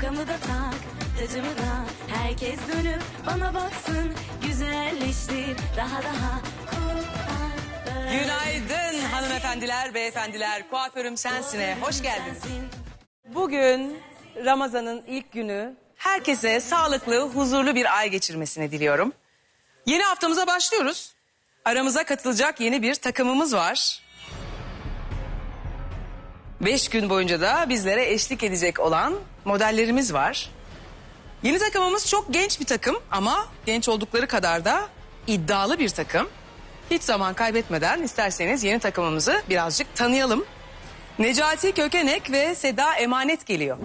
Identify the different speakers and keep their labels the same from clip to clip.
Speaker 1: tokamı da tak, tacımı da. Herkes dönüp bana baksın, güzelleştir daha kuaför.
Speaker 2: Günaydın hanımefendiler, beyefendiler. Kuaförüm Sensin'e hoş geldiniz. Bugün Ramazan'ın ilk günü. Herkese sağlıklı, huzurlu bir ay geçirmesini diliyorum. Yeni haftamıza başlıyoruz. Aramıza katılacak yeni bir takımımız var. 5 gün boyunca da bizlere eşlik edecek olan modellerimiz var. Yeni takımımız çok genç bir takım ama genç oldukları kadar da iddialı bir takım. Hiç zaman kaybetmeden isterseniz yeni takımımızı birazcık tanıyalım. Necati Kökenek ve Seda Emanet geliyor.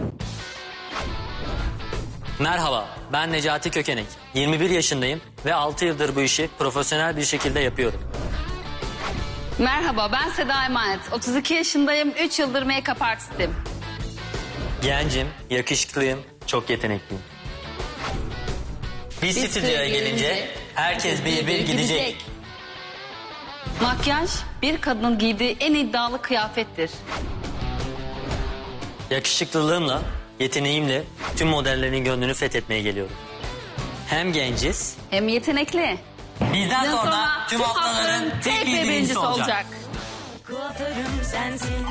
Speaker 3: Merhaba, ben Necati Kökenek. 21 yaşındayım ve 6 yıldır bu işi profesyonel bir şekilde yapıyorum.
Speaker 4: Merhaba, ben Seda Emanet. 32 yaşındayım, 3 yıldır make-up artistim.
Speaker 3: Gencim, yakışıklıyım, çok yetenekliyim. Bir stüdyoya gelince herkes bir gidecek.
Speaker 4: Makyaj, bir kadının giydiği en iddialı kıyafettir.
Speaker 3: Yakışıklılığımla, yeteneğimle tüm modellerin gönlünü fethetmeye geliyorum. Hem genciz,
Speaker 4: Hem yetenekli.
Speaker 3: bizden sonra tüm haftaların tek bir birincisi olacak.
Speaker 1: Kuaförüm sensin.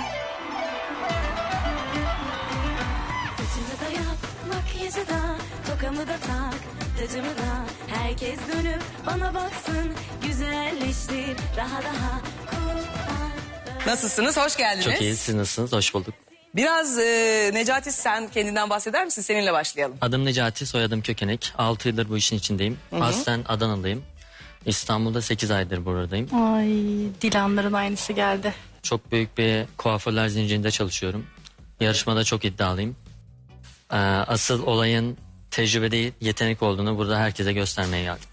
Speaker 1: Saçımı da yap, makyajı da, tokamı da tak, tacımı da. Herkes dönüp bana baksın, güzelleştir daha kuaför.
Speaker 2: Nasılsınız? Hoş geldiniz.
Speaker 3: Çok iyi, siz nasılsınız? Hoş bulduk.
Speaker 2: Biraz Necati sen kendinden bahseder misin? Seninle başlayalım.
Speaker 3: Adım Necati, soyadım Kökenek. 6 yıldır bu işin içindeyim. Aslen Adanalıyım. İstanbul'da 8 aydır buradayım.
Speaker 5: Ay, Dilanların aynısı geldi.
Speaker 3: Çok büyük bir kuaförler zincirinde çalışıyorum. Yarışmada çok iddialıyım. Asıl olayın tecrübe değil, yetenek olduğunu burada herkese göstermeye geldim.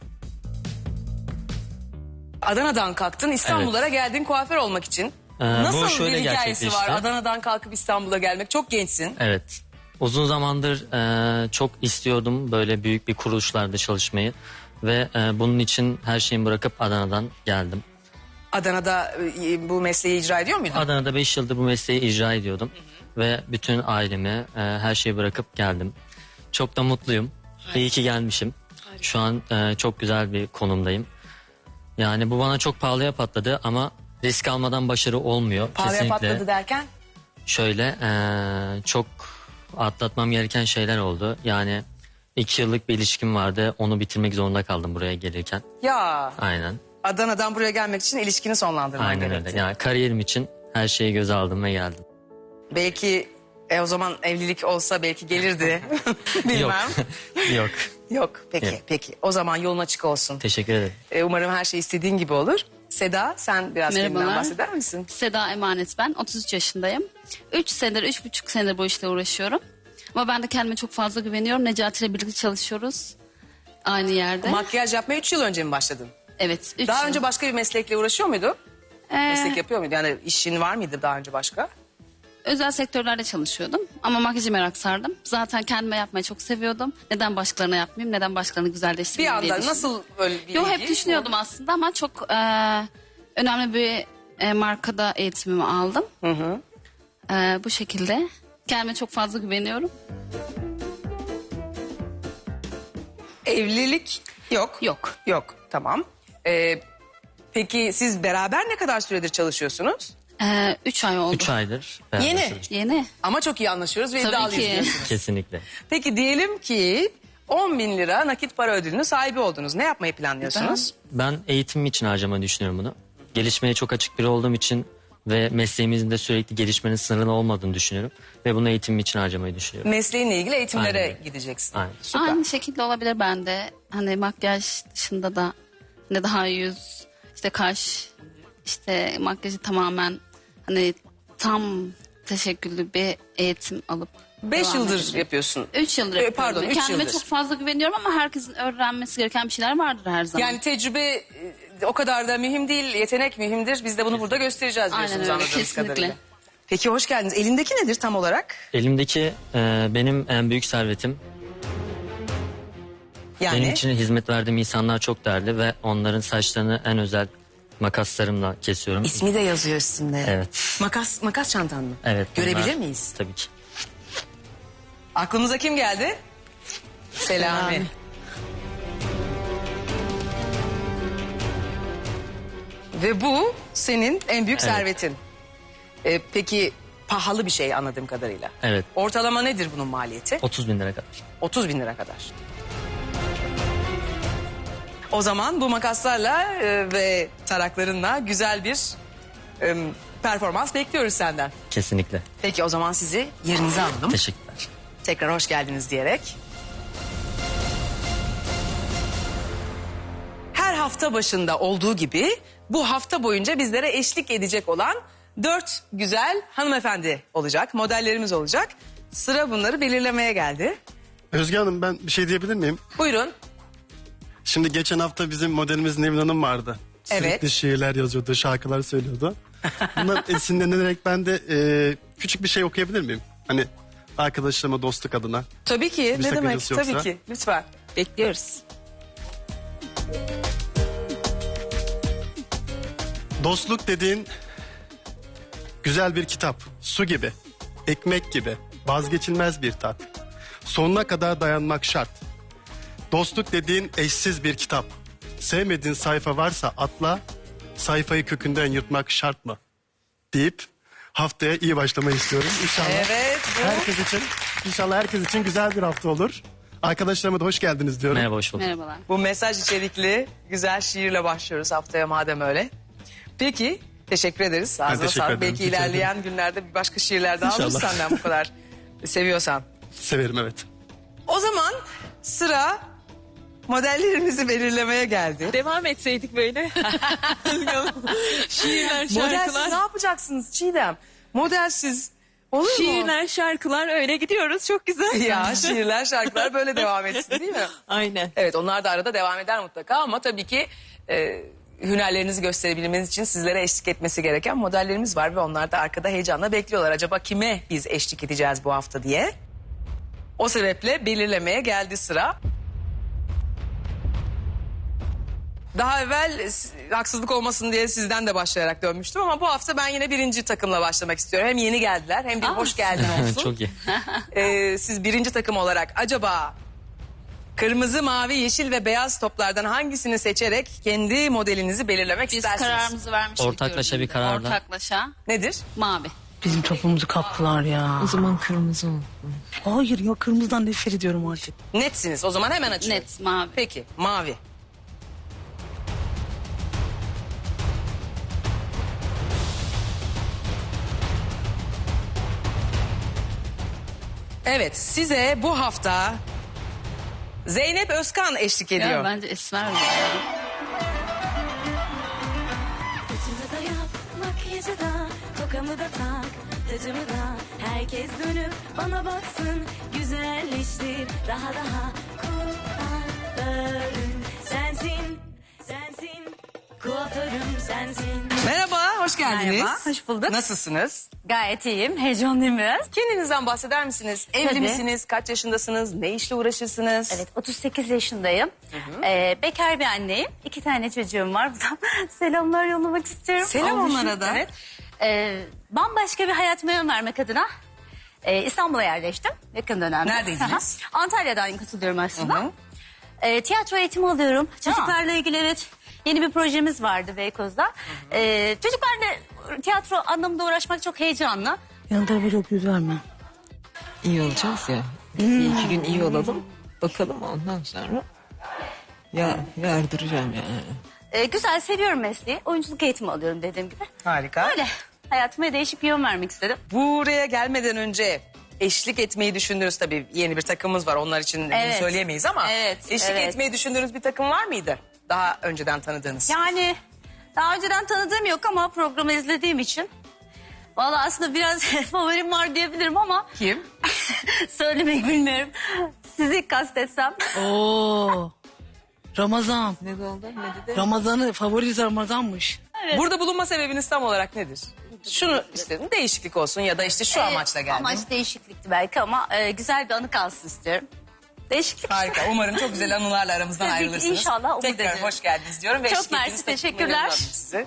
Speaker 2: Adana'dan kalktın, İstanbul'a geldin kuaför olmak için.
Speaker 3: Bu
Speaker 2: Nasıl bir
Speaker 3: şöyle
Speaker 2: hikayesi
Speaker 3: gerçekleşti.
Speaker 2: var Adana'dan kalkıp İstanbul'a gelmek? Çok gençsin.
Speaker 3: Evet. Uzun zamandır çok istiyordum böyle büyük bir kuruluşlarda çalışmayı. Ve bunun için her şeyimi bırakıp Adana'dan geldim.
Speaker 2: Adana'da bu mesleği icra ediyor muydun?
Speaker 3: Adana'da 5 yıldır bu mesleği icra ediyordum. Ve bütün ailemi, her şeyi bırakıp geldim. Çok da mutluyum. İyi ki gelmişim. Şu an çok güzel bir konumdayım. Yani bu bana çok pahalıya patladı ama risk almadan başarı olmuyor.
Speaker 2: Pahalıya
Speaker 3: Kesinlikle.
Speaker 2: patladı derken?
Speaker 3: Şöyle çok atlatmam gereken şeyler oldu. Yani 2 yıllık bir ilişkim vardı. Onu bitirmek zorunda kaldım buraya gelirken.
Speaker 2: Ya
Speaker 3: Aynen.
Speaker 2: Adana'dan buraya gelmek için ilişkini sonlandırman
Speaker 3: Aynen
Speaker 2: gerekti.
Speaker 3: öyle. Yani kariyerim için her şeyi göze aldım ve geldim.
Speaker 2: Belki o zaman evlilik olsa belki gelirdi. Bilmem.
Speaker 3: Yok. Yok.
Speaker 2: Yok. Peki
Speaker 3: Yok.
Speaker 2: peki. O zaman yolun açık olsun.
Speaker 3: Teşekkür ederim.
Speaker 2: Umarım her şey istediğin gibi olur. Seda sen biraz kendinden
Speaker 4: Merhabalar.
Speaker 2: bahseder misin?
Speaker 4: Seda Emanet ben, 33 yaşındayım. 3,5 senedir bu işle uğraşıyorum. Ama ben de kendime çok fazla güveniyorum. Necati ile birlikte çalışıyoruz. Aynı yerde.
Speaker 2: Makyaj yapmaya 3 yıl önce mi başladın?
Speaker 4: Evet. 3
Speaker 2: Daha
Speaker 4: yıl.
Speaker 2: önce başka bir meslekle uğraşıyor muydun?
Speaker 4: Ee,
Speaker 2: Meslek yapıyor muydun? Yani işin var mıydı daha önce başka?
Speaker 4: Özel sektörlerde çalışıyordum. Ama makyajı merak sardım. Zaten kendime yapmayı çok seviyordum. Neden başkalarına yapmayayım? Neden başkalarını
Speaker 2: Bir
Speaker 4: güzelleştirmeyeyim diye
Speaker 2: anda
Speaker 4: düşündüm.
Speaker 2: nasıl böyle bir
Speaker 4: Yo,
Speaker 2: ilgi?
Speaker 4: hep düşünüyordum aslında ama çok önemli bir markada eğitimimi aldım. Bu şekilde kendime çok fazla güveniyorum.
Speaker 2: Evlilik yok.
Speaker 4: Yok.
Speaker 2: Yok tamam. Peki siz beraber ne kadar süredir çalışıyorsunuz?
Speaker 4: 3 ay oldu.
Speaker 3: 3 aydır. beraber
Speaker 2: Yeni.
Speaker 3: çalışıyoruz.
Speaker 4: Yeni.
Speaker 2: Ama çok iyi anlaşıyoruz ve
Speaker 4: Tabii
Speaker 2: iddialıyız
Speaker 4: ki.
Speaker 2: diyorsunuz.
Speaker 3: Kesinlikle.
Speaker 2: Peki diyelim ki 10.000 lira nakit para ödülünün sahibi oldunuz. Ne yapmayı planlıyorsunuz?
Speaker 3: Ben eğitimim için harcamayı düşünüyorum bunu. Gelişmeye çok açık biri olduğum için ve mesleğimizin de sürekli gelişmenin sınırlı olmadığını düşünüyorum. Ve bunu eğitimim için harcamayı düşünüyorum.
Speaker 2: Mesleğinle ilgili eğitimlere
Speaker 3: Aynen.
Speaker 2: gideceksin.
Speaker 3: Aynen.
Speaker 2: Süper.
Speaker 4: Aynı şekilde olabilir bende. Hani makyaj dışında da ne daha yüz, işte kaş, işte makyajı tamamen hani tam teşekküllü bir eğitim alıp
Speaker 2: 5
Speaker 4: devam
Speaker 2: yıldır
Speaker 4: edeceğim.
Speaker 2: yapıyorsun.
Speaker 4: 3 yıldır yapıyorum.
Speaker 2: Pardon 3
Speaker 4: Kendime
Speaker 2: yıldır.
Speaker 4: çok fazla güveniyorum ama herkesin öğrenmesi gereken bir şeyler vardır her zaman.
Speaker 2: Yani tecrübe o kadar da mühim değil. Yetenek mühimdir. Biz de bunu burada göstereceğiz
Speaker 4: Aynen
Speaker 2: diyorsunuz
Speaker 4: öyle,
Speaker 2: anladığımız
Speaker 4: kesinlikle.
Speaker 2: kadarıyla. Peki hoş geldiniz. Elindeki nedir tam olarak?
Speaker 3: Elimdeki benim en büyük servetim.
Speaker 2: Yani
Speaker 3: Benim için hizmet verdiğim insanlar çok değerli ve onların saçlarını en özel makaslarımla kesiyorum.
Speaker 2: ismi de yazıyor üstünde.
Speaker 3: Evet.
Speaker 2: Makas çantan mı?
Speaker 3: Evet.
Speaker 2: Görebilir
Speaker 3: bunlar-
Speaker 2: miyiz?
Speaker 3: Tabii ki.
Speaker 2: Aklınıza kim geldi? Selami. Ve bu senin en büyük
Speaker 3: Evet.
Speaker 2: servetin. Peki pahalı bir şey anladığım kadarıyla.
Speaker 3: Evet.
Speaker 2: Ortalama nedir bunun maliyeti?
Speaker 3: 30 bin lira kadar.
Speaker 2: 30 bin lira kadar. O zaman bu makaslarla ve taraklarınla güzel bir performans bekliyoruz senden.
Speaker 3: Kesinlikle.
Speaker 2: Peki o zaman sizi yerinize alalım.
Speaker 3: Teşekkürler.
Speaker 2: Tekrar hoş geldiniz diyerek. Her hafta başında olduğu gibi bu hafta boyunca bizlere eşlik edecek olan 4 güzel hanımefendi olacak, modellerimiz olacak. Sıra bunları belirlemeye geldi.
Speaker 6: Özge Hanım, ben bir şey diyebilir miyim?
Speaker 2: Buyurun.
Speaker 6: Şimdi geçen hafta bizim modelimiz Nevin Hanım vardı.
Speaker 2: Evet.
Speaker 6: Sürekli şiirler yazıyordu, şarkılar söylüyordu. Bundan esinlenerek ben de küçük bir şey okuyabilir miyim? Hani arkadaşlarıma, dostluk adına.
Speaker 2: Tabii ki.
Speaker 6: Bir
Speaker 2: Ne demek?
Speaker 6: sakıncası yoksa.
Speaker 2: Tabii ki. Lütfen. Bekliyoruz.
Speaker 6: Dostluk dediğin güzel bir kitap, su gibi, ekmek gibi, vazgeçilmez bir tat. Sonuna kadar dayanmak şart. Dostluk dediğin eşsiz bir kitap. Sevmediğin sayfa varsa atla, sayfayı kökünden yırtmak şart mı? Deyip haftaya iyi başlamayı istiyorum. İnşallah
Speaker 2: Evet. Bu...
Speaker 6: herkes için, inşallah herkes için güzel bir hafta olur. Arkadaşlarıma da hoş geldiniz diyorum.
Speaker 3: Merhaba, hoş bulduk.
Speaker 4: Merhabalar.
Speaker 2: Bu mesaj içerikli güzel şiirle başlıyoruz haftaya madem öyle. Peki teşekkür ederiz. Ağzına
Speaker 6: teşekkür
Speaker 2: sağlık.
Speaker 6: ederim.
Speaker 2: Belki
Speaker 6: Rica ederim.
Speaker 2: ilerleyen günlerde bir başka şiirler daha alırız
Speaker 6: İnşallah.
Speaker 2: senden bu kadar seviyorsan.
Speaker 6: Severim, evet.
Speaker 2: O zaman sıra modellerimizi belirlemeye geldi.
Speaker 7: Devam etseydik böyle. Şiirler,
Speaker 2: Modelsiz ne
Speaker 7: şarkılar.
Speaker 2: yapacaksınız Çiğdem? Modelsiz olur mu?
Speaker 7: Şiirler, şarkılar öyle gidiyoruz. Çok güzel.
Speaker 2: Ya şiirler, şarkılar böyle devam etsin değil mi?
Speaker 7: Aynen.
Speaker 2: Evet onlar da arada devam eder mutlaka ama tabii ki hünerlerinizi gösterebilmeniz için sizlere eşlik etmesi gereken modellerimiz var ve onlar da arkada heyecanla bekliyorlar. Acaba kime biz eşlik edeceğiz bu hafta diye. O sebeple belirlemeye geldi sıra. Daha evvel haksızlık olmasın diye sizden de başlayarak dönmüştüm ama bu hafta ben yine birinci takımla başlamak istiyorum. Hem yeni geldiler hem bir hoş geldin olsun.
Speaker 3: Çok iyi.
Speaker 2: Siz birinci takım olarak acaba kırmızı, mavi, yeşil ve beyaz toplardan hangisini seçerek kendi modelinizi belirlemek
Speaker 4: Biz
Speaker 2: istersiniz?
Speaker 4: kararımızı vermiştik.
Speaker 3: Ortaklaşa bir
Speaker 4: görünümde.
Speaker 3: kararla.
Speaker 4: Ortaklaşa
Speaker 2: Nedir?
Speaker 4: mavi.
Speaker 5: Bizim topumuzu kaptılar ya.
Speaker 7: O zaman kırmızı ol.
Speaker 5: Hayır ya, kırmızıdan nefret ediyorum artık.
Speaker 2: Netsiniz. O zaman hemen açıyorum.
Speaker 4: Net mavi.
Speaker 2: Peki mavi. Evet size bu hafta Zeynep Özkan eşlik ediyor.
Speaker 4: Ya, bence esmer mi?
Speaker 1: Saçımı da yap, makyajı da, tokamı da tak, tacımı da. Herkes dönüp bana baksın, güzelleştir daha daha. Kuaförüm sensin, sensin. Kuaförüm sensin.
Speaker 2: Merhaba, hoş geldiniz.
Speaker 8: Merhaba, hoş bulduk.
Speaker 2: Nasılsınız?
Speaker 8: Gayet iyiyim. Heyecanlıyım biraz.
Speaker 2: Kendinizden bahseder misiniz? Evli
Speaker 8: Tabii.
Speaker 2: misiniz? Kaç yaşındasınız? Ne işle uğraşırsınız?
Speaker 8: Evet, 38 yaşındayım. Bekar bir anneyim. 2 tane çocuğum var. Buradan selamlar yollamak istiyorum.
Speaker 2: Selam
Speaker 8: Olmuşum.
Speaker 2: onlara da.
Speaker 8: Evet. Bambaşka bir hayatıma yön vermek adına İstanbul'a yerleştim yakın dönemde.
Speaker 2: Neredeydiniz?
Speaker 8: Aha. Antalya'dan katılıyorum aslında. Tiyatro eğitimi alıyorum. Çocuklarla ilgili evet yeni bir projemiz vardı Beykoz'da. Çocuklarla tiyatro anlamında uğraşmak çok heyecanlı.
Speaker 5: Yan tarafa çok yüz verme.
Speaker 7: İyi olacağız ya. Bir iki gün iyi olalım. Bakalım ondan sonra yardıracağım yani.
Speaker 8: Güzel, seviyorum mesleği. Oyunculuk eğitimi alıyorum dediğim gibi.
Speaker 2: Harika.
Speaker 8: Öyle. Hayatıma değişik bir yön vermek istedim.
Speaker 2: Buraya gelmeden önce eşlik etmeyi düşündüğünüz tabii yeni bir takımımız var. Onlar için bunu
Speaker 8: Evet.
Speaker 2: söyleyemeyiz ama
Speaker 8: Evet,
Speaker 2: eşlik
Speaker 8: evet.
Speaker 2: etmeyi düşündüğünüz bir takım var mıydı? Daha önceden tanıdığınız.
Speaker 8: Yani daha önceden tanıdığım yok ama programı izlediğim için. Vallahi aslında biraz favorim var diyebilirim ama
Speaker 2: Kim?
Speaker 8: söylemek bilmiyorum. Sizi kastetsem.
Speaker 5: Oo. Ramazan.
Speaker 7: Ne oldu? Ne dedi?
Speaker 5: Ramazan'ı favorisi Ramazan'mış.
Speaker 2: Burada bulunma sebebiniz tam olarak nedir? Şunu istedim, değişiklik olsun ya da işte şu amaçla geldim.
Speaker 8: Amaç değişiklikti belki ama güzel bir anı kalsın istiyorum. Değişiklik.
Speaker 2: Harika. Umarım çok güzel anılarla aramızdan
Speaker 8: Tabii ki,
Speaker 2: ayrılırsınız.
Speaker 8: inşallah, umut
Speaker 2: Tekrar
Speaker 8: ediyorum.
Speaker 2: hoş geldiniz diyorum. Ve
Speaker 8: Çok
Speaker 2: eşlik ettiğiniz
Speaker 8: mersi,
Speaker 2: takımı
Speaker 8: teşekkürler.
Speaker 2: alalım size.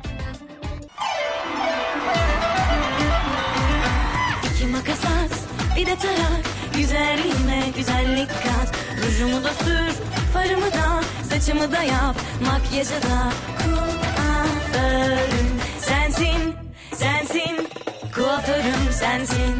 Speaker 1: İki makas at, bir de tarak. Güzelliğime güzellik kat. Rujumu da sür, farımı da, saçımı da yap, makyajı da. Kuaförüm sensin, sensin. Kuaförüm sensin.